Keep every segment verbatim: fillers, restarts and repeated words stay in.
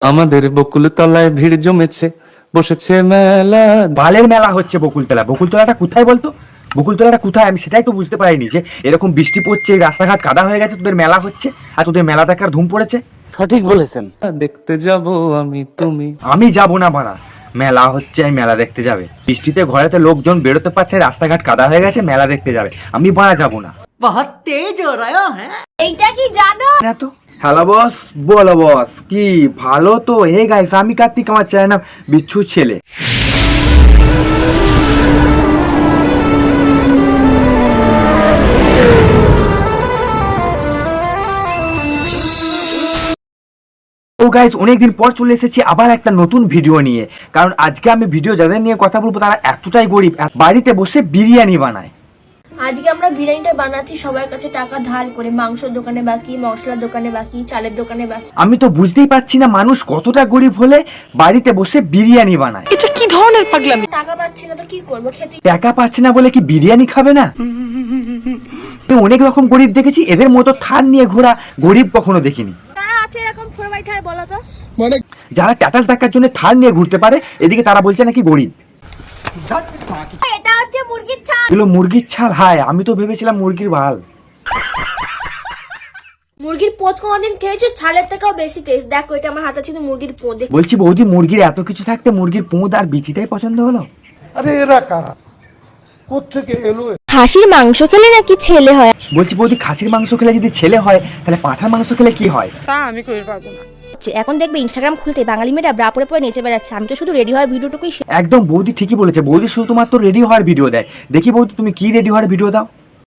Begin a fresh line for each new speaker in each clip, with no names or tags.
আমাদের বকুল তলায় ভিড় জমেছে, বসেছে মেলা।
বালের মেলা হচ্ছে বকুলতলা। বকুলতলাটা কোথায় বলতো? বকুলতলাটা কোথায় আমি সেটাই তো বুঝতে পারিনি, যে এরকম বৃষ্টি পড়ছে, রাস্তাঘাট কাদা হয়ে গেছে, তোদের মেলা হচ্ছে আর তোদের মেলা দেখার ধুম পড়েছে।
সঠিক বলেছেন।
দেখতে যাব আমি তুমি।
আমি যাব না বাড়া, মেলা হচ্ছে আমি মেলা দেখতে যাবে। বৃষ্টিতে ঘরেতে লোকজন বেরোতে পারছে, রাস্তাঘাট কাদা হয়ে গেছে, মেলা দেখতে যাবে। আমি বাড়া যাব না।
बहुत तेज हो रहा है।
এইটা কি জানো?
না তো। হ্যালো বস, বলো বস, কি ভালো তো? হে গাইস, আমি কার্তিক, আমার চ্যানেল নাম বিচ্ছু ছেলে। ও গাইস, অনেকদিন পর চলে এসেছি আবার একটা নতুন ভিডিও নিয়ে। কারণ আজকে আমি ভিডিও যাদের নিয়ে কথা বলবো তারা এতটাই গরিব, বাড়িতে বসে বিরিয়ানি বানায়।
আজকে আমরা বিরিয়ানিটা বানাচ্ছি সবার কাছে টাকা ধার করে। মাংসের দোকানে বাকি, মশলার দোকানে বাকি, চালের দোকানে বাকি।
আমি তো বুঝতেই পারছি না মানুষ কতটা গরিব হলে বাড়িতে বসে বিরিয়ানি বানায়।
এটা কি ধরনের পাগলামি?
টাকা পাচ্ছি না তো কি করবো, খেতে।
টাকা পাচ্ছে না বলে কি বিরিয়ানি খাবে না? তো অনেক রকম গরিব দেখেছি, এদের মতো থার নিয়ে ঘোরা গরিব কখনো দেখিনি।
কারা আছে এরকম ফোর বাই থার বলো তো?
যারা স্ট্যাটাস দেখার জন্য থার নিয়ে ঘুরতে পারে, এদিকে তারা বলছে নাকি গরিব।
এটা হচ্ছে মুরগির ছাল।
এগুলো মুরগির ছাল? হায়, আমি তো ভেবেছিলাম মুরগির ভাল।
মুরগির পোঁত কোনোদিন খেয়েছো? ছালের থেকেও বেশি টেস্ট। দেখো এটা আমার হাতে ছিল মুরগির পোঁত।
বলছি বৌদি, মুরগির এত কিছু থাকতে মুরগির পোঁদ আর বিচিটাই পছন্দ হলো?
আরে এরা কারা, কোত্থেকে এলো?
খাসির মাংস খেলে নাকি ছেলে হয়?
বলছি বৌদি, খাসির মাংস খেলে যদি ছেলে হয় তাহলে পাঁঠার মাংস খেলে কি হয়?
তা আমি কই পারবো না।
এখন দেখবে ইনস্টাগ্রাম খুলতে বাঙালি মেয়েরা ব্রা পরে পরে নেচে বেড়াচ্ছে। আমি তো শুধু রেডি হওয়ার ভিডিওটুকুই।
একদম বৌদি ঠিকই বলেছে। বৌদি শুধুমাত্র রেডি হওয়ার ভিডিও দেয়। দেখি বৌদি, তুমি কি রেডি হওয়ার ভিডিও দাও?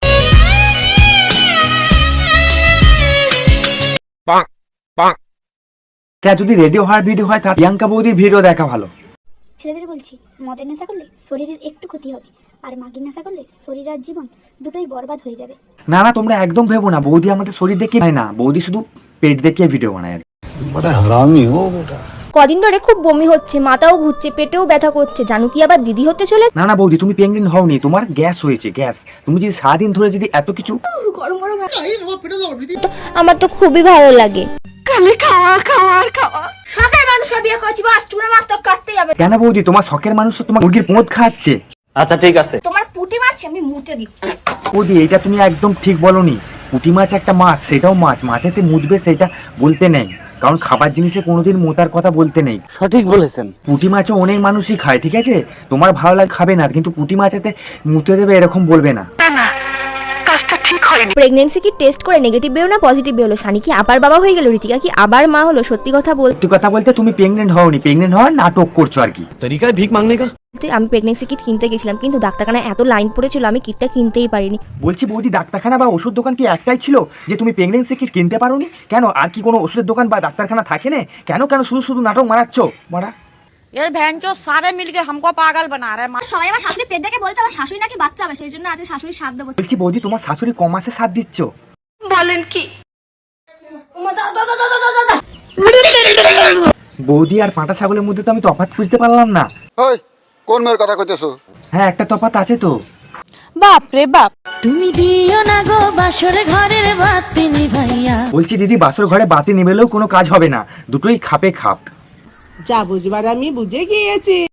যদি রেডি হওয়ার ভিডিও হয় তাহলে প্রিয়াঙ্কা বৌদির ভিডিও দেখা ভালো।
ছেলেদের বলছি, মদের নেশা করলে শরীরের একটু ক্ষতি হবে, আর মাগির নেশা করলে শরীর আর জীবন দুটোই বরবাদ হয়ে যাবে।
না না, তোমরা একদম ভেবো না, বৌদি আমাদের শরীর দেখে হয় না, বৌদি শুধু পেট দেখিয়ে ভিডিও বানায়।
বড় হারামি হো বেটা।
কদিন ধরে খুব বমি হচ্ছে, মাথাও ঘুরছে, পেটেও ব্যথা করছে। জানু কি আবার দিদি হতে চলে?
না না বৌদি, তুমি প্রেগনেন্ট হওনি, তোমার গ্যাস হয়েছে, গ্যাস। তুমি যদি সারাদিন ধরে যদি এত কিছু
গরম গরম আমার তো খুবই ভালো লাগে।
খালি খাওয়া খাওয়া আর খাওয়া।
শখের মানুষরা বিয়ে করেছি, বাস চুনা মাছ তো কাটতে যাবে।
কেন বৌদি, তোমার শখের মানুষ তো তোমার মুরগির পোঁত খাচ্ছে।
আচ্ছা ঠিক আছে।
তোমার পুঁটি মারছে, আমি মুতে দিই।
বৌদি, এটা তুমি একদম ঠিক বলনি। পুঁটি মাছ একটা মাছ, সেটাও মাছ, মাছেতে মুতবে সেটা বলতে নেই, কারণ খাবার জিনিসে কোনোদিন মোতার কথা বলতে নেই।
সঠিক বলেছেন।
পুঁটি মাছও অনেক মানুষই খায়, ঠিক আছে? তোমার ভালো লাগে খাবে না, কিন্তু পুঁটি মাছেতে মুতে দেবে এরকম বলবে না।
প্রেগন্যান্সি কি টেস্ট করে নেগেটিভ বেরো না পজিটিভ বেরোলো? সানি কি আবার বাবা হয়ে গেল? ঋতিকা কি আবার মা হলো? সত্যি কথা বলতে
সত্যি কথা বলতে তুমি প্রেগনেন্ট হওনি, প্রেগনেন্ট হওয়ার নাটক করছো আর কি।
তরিকায় ভিক মাংনে কা।
আমি প্রেগন্যান্সি কিট কিনতে গেছিলাম, কিন্তু ডাক্তারখানায় এত লাইন পড়েছিল আমি কিটটা কিনতেই পারিনি।
বলছি বৌদি, ডাক্তারখানা বা ওষুধ দোকান কি একটাই ছিল যে তুমি প্রেগনেন্সি কিট কিনতে পারোনি? কেন আর কি কোনো ওষুধের দোকান বা ডাক্তারখানা থাকে না? কেন কেন শুধু শুধু নাটক মারাচ্ছ মারা?
ये भैंचो सारे मिलके हमको पागल बना रहे हैं।
সবাই আমার শাশুড়ি পেট দেখে বলছে আমার শাশুড়ি নাকি বাচ্চা হবে, সেই জন্য আজকে শাশুড়ির সাথ দেবো।
বলছি বৌদি, তোমার শাশুড়ি ক মাসে সাথ দিচ্ছ?
বলেন কি?
বৌদি আর পাঁটা ছাগলের মধ্যে তো আমি তফাৎ খুঁজতে পারলাম না।
ওই কোন মেয়ের কথা কইতেছো?
হ্যাঁ, একটা তফাৎ আছে তো।
বাপ রে বাপ।
তুমি দিও না গো বাসর ঘরের বাতি নিভাইয়া।
বলছি দিদি, বাসর ঘরে বাতি নিবেলেও কোনো কাজ হবে না, দুটোই খাপে খাপ।
যা বুঝবার আমি বুঝে গিয়েছি।